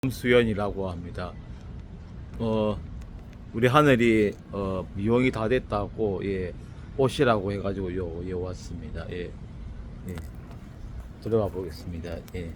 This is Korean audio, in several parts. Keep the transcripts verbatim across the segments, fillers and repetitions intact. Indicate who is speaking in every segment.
Speaker 1: 수연이라고 합니다. 어 우리 하늘이 어 미용이 다 됐다고 예 오시라고 해가지고 요, 요 왔습니다. 예, 예. 들어가 보겠습니다. 예.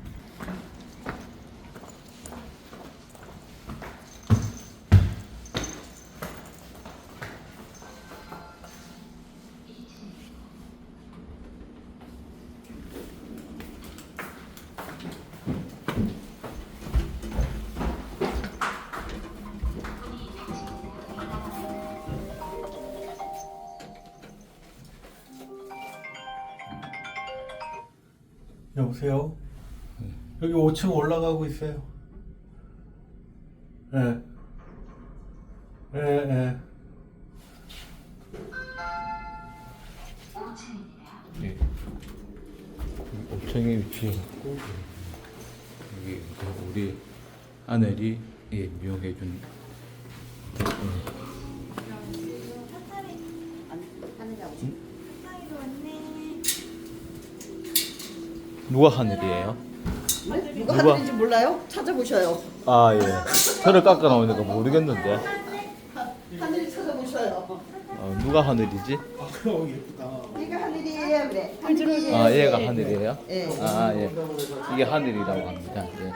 Speaker 2: 여보세요? 여기 오 층 올라가고 있어요. 예. 예, 예.
Speaker 1: 예. 옥청에 위치해갖고 여기 우리 하늘이 예 미용해준 누가 하늘이에요?
Speaker 3: 네? 누가
Speaker 1: 누가?
Speaker 3: 하는지 몰라요? 찾아보셔요.
Speaker 1: 아 예. 혀를 깎아 나오니까 모르겠는데.
Speaker 3: 하늘이 찾아보셔요.
Speaker 1: 어, 누가 하늘이지?
Speaker 2: 아, 그럼 예쁘다.
Speaker 3: 이거 하늘이에요, 그래. 하늘이에요.
Speaker 1: 아 얘가 하늘이에요?
Speaker 3: 예.
Speaker 1: 아 예. 이게 하늘이라고 합니다. 예.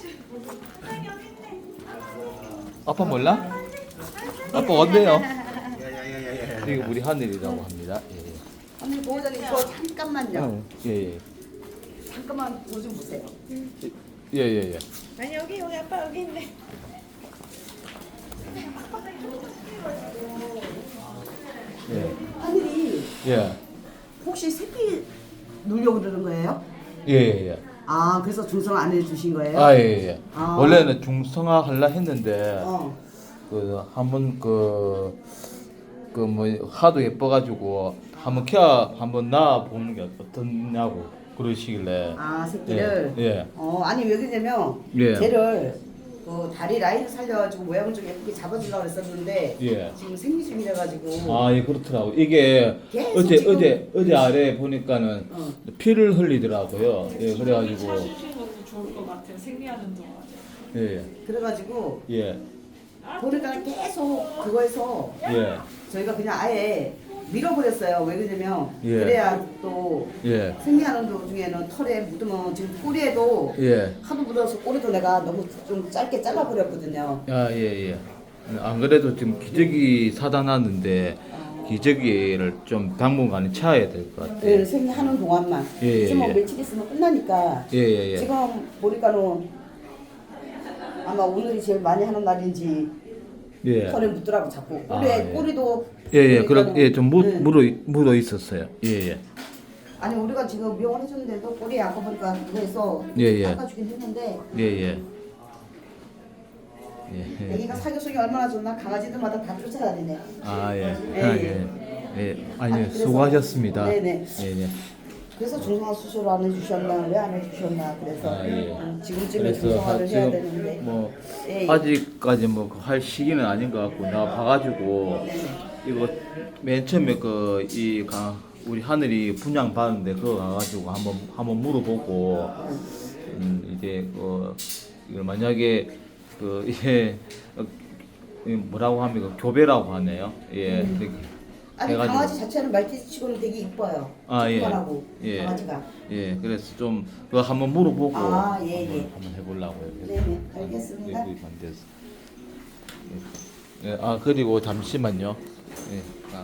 Speaker 1: 아빠 몰라? 아빠 어때요?
Speaker 2: 야야야야야.
Speaker 1: 이게 우리 하늘이라고 합니다. 예.
Speaker 3: 하늘 보호자님 저 잠깐만요.
Speaker 1: 어, 예, 예.
Speaker 3: 잠깐만 뭐 좀 보세요.
Speaker 1: 예, 예, 예.
Speaker 4: 아니 여기 여기 아빠 여기 있네.
Speaker 1: 예.
Speaker 3: 하늘이
Speaker 1: 예.
Speaker 3: 혹시 새끼 누려고 그러는 거예요?
Speaker 1: 예, 예, 예.
Speaker 3: 아, 그래서 중성 안 해주신 거예요?
Speaker 1: 아, 예, 예.
Speaker 3: 아.
Speaker 1: 원래는 중성화 하려 했는데
Speaker 3: 어.
Speaker 1: 그 한번 그 그 뭐 하도 예뻐가지고 한번 케어 한번 낳아 보는 게 어떻냐고 그러시길래.
Speaker 3: 아, 새끼를.
Speaker 1: 예. 예.
Speaker 3: 어, 아니 왜 그러냐면
Speaker 1: 예.
Speaker 3: 쟤를 그 다리 라인 살려가지고 모양을 좀 예쁘게 잡아주려고 했었는데
Speaker 1: 예.
Speaker 3: 지금 생리 중이라 가지고.
Speaker 1: 아, 예, 그렇더라고. 이게
Speaker 3: 계속
Speaker 1: 어제
Speaker 3: 지금-
Speaker 1: 어제 어제 아래 보니까는
Speaker 3: 어.
Speaker 1: 피를 흘리더라고요. 예, 그래가지고
Speaker 4: 찾으시는 것도 좋을 것 같아요. 생리하는 동안.
Speaker 1: 예,
Speaker 3: 그래가지고
Speaker 1: 예,
Speaker 3: 보니까 계속 그거에서
Speaker 1: 예,
Speaker 3: 저희가 그냥 아예 밀어버렸어요. 왜 그러냐면
Speaker 1: 예.
Speaker 3: 그래야 또
Speaker 1: 예,
Speaker 3: 생리하는 도중에는 털에 묻으면 지금 꼬리에도
Speaker 1: 예.
Speaker 3: 하도 묻어서 꼬리도 내가 너무 좀 짧게 잘라버렸거든요.
Speaker 1: 아, 예, 예. 안 그래도 지금 기저귀 사다 놨는데 기저귀를 좀 당분간 차야 될 것 같아요.
Speaker 3: 네, 생리하는 동안만.
Speaker 1: 예, 예,
Speaker 3: 이제 뭐
Speaker 1: 예.
Speaker 3: 며칠 있으면 끝나니까.
Speaker 1: 예, 예, 예.
Speaker 3: 지금 보니까는 아마 오늘이 제일 많이 하는 날인지
Speaker 1: 예.
Speaker 3: 털에 묻더라고 자꾸.
Speaker 1: 아,
Speaker 3: 꼬리에
Speaker 1: 예.
Speaker 3: 꼬리도.
Speaker 1: 예, 예.
Speaker 3: 보니까는-
Speaker 1: 그럼 예, 좀 묻,
Speaker 3: 네.
Speaker 1: 묻어 묻어 있었어요. 예, 예.
Speaker 3: 아니 우리가 지금 미용을 해줬는데도 꼬리에 아까 보니까 그래서
Speaker 1: 예, 예.
Speaker 3: 닦아주긴 했는데
Speaker 1: 예, 예. 예.
Speaker 3: 애기가 사교성이 얼마나 좋나 강아지들마다 다 쫓아다니네.
Speaker 1: 아, 예.
Speaker 3: 예,
Speaker 1: 아,
Speaker 3: 예.
Speaker 1: 예. 예.
Speaker 3: 아니,
Speaker 1: 아니요.
Speaker 3: 그래서-
Speaker 1: 수고하셨습니다.
Speaker 3: 네네.
Speaker 1: 예, 예.
Speaker 3: 그래서 중성화 수술 안 해주셨나 왜 안 해주셨나 그래서
Speaker 1: 아, 예.
Speaker 3: 음, 지금쯤에
Speaker 1: 그래서
Speaker 3: 중성화를
Speaker 1: 지금
Speaker 3: 해야 되는데
Speaker 1: 뭐
Speaker 3: 예, 예.
Speaker 1: 아직까지 뭐 할 시기는 아닌 것 같고 나 봐가지고
Speaker 3: 네네.
Speaker 1: 이거 맨 처음에 그 이 우리 하늘이 분양 받는데 그거 가가지고 한번 한번 물어보고 음 이제 그 이걸 만약에 그 이게 어, 이 뭐라고 합니까 교배라고 하네요. 예.
Speaker 3: 음.
Speaker 1: 되게
Speaker 3: 아니
Speaker 1: 해가지고.
Speaker 3: 강아지 자체는 말티즈치고는 되게 이뻐요.
Speaker 1: 아, 예.
Speaker 3: 조그만하고
Speaker 1: 예.
Speaker 3: 강아지가.
Speaker 1: 예, 그래서 좀 그거 한번 물어보고
Speaker 3: 아, 예,
Speaker 1: 한번,
Speaker 3: 예.
Speaker 1: 한번 해보려고요. 그래서.
Speaker 3: 네네, 알겠습니다.
Speaker 1: 예, 예, 안 돼서. 예, 아 그리고 잠시만요. 예, 아,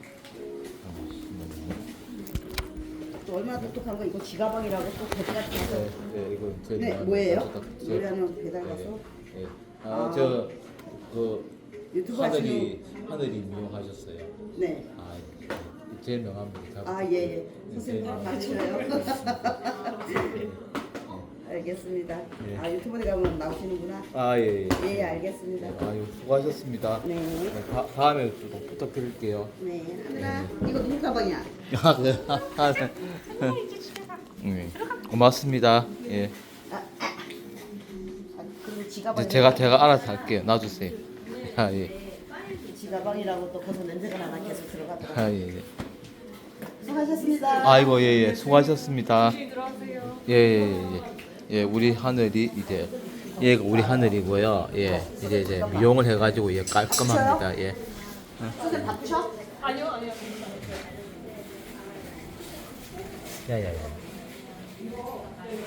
Speaker 3: 또 얼마나 똑똑한 거 이거 지가방이라고 또 배달 같은 거.
Speaker 1: 예, 예, 이거 저희
Speaker 3: 네,
Speaker 1: 나-
Speaker 3: 뭐예요?
Speaker 1: 나- 저-
Speaker 3: 노래하는 배달 가서
Speaker 1: 예,
Speaker 3: 아.
Speaker 1: 아, 저그
Speaker 3: 유튜브
Speaker 1: 하늘이 하늘이 미용하셨어요.
Speaker 3: 네.
Speaker 1: 아, 예. 제일 명함입니다.
Speaker 3: 아 예예.
Speaker 1: 네,
Speaker 3: 선생님
Speaker 1: 제일
Speaker 3: 많으셔요.
Speaker 1: 명함.
Speaker 3: 알겠습니다.
Speaker 1: 예.
Speaker 3: 아 유튜브에 가면 나오시는구나.
Speaker 1: 아, 예, 예.
Speaker 3: 예 알겠습니다.
Speaker 1: 아유, 수고하셨습니다.
Speaker 3: 네.
Speaker 1: 네, 다, 다음에 또 부탁드릴게요.
Speaker 3: 네 하늘아 이거 누구 가방이야?
Speaker 1: 아, 네. 아, 네. 네. 고맙습니다. 예.
Speaker 3: 아 그리고
Speaker 1: 이제
Speaker 3: 지가방.
Speaker 1: 제가 제가 알아서 할게요. 놔주세요. 아, 예.
Speaker 3: 지가방이라고 또 거기서 냄새가 나나 계속 들어가더라고.
Speaker 1: 아, 예. 예.
Speaker 3: 수고하셨습니다.
Speaker 1: 아이고, 예, 예. 수고하셨습니다.
Speaker 4: 들어가세요.
Speaker 1: 예, 예, 예, 예. 예, 우리 하늘이 이제 얘가 우리 하늘이고요. 예, 이제 이제 미용을 해가지고 예 깔끔합니다. 예.
Speaker 3: 선생님 다 부셔?
Speaker 4: 아니요 아니요.
Speaker 1: 야야야.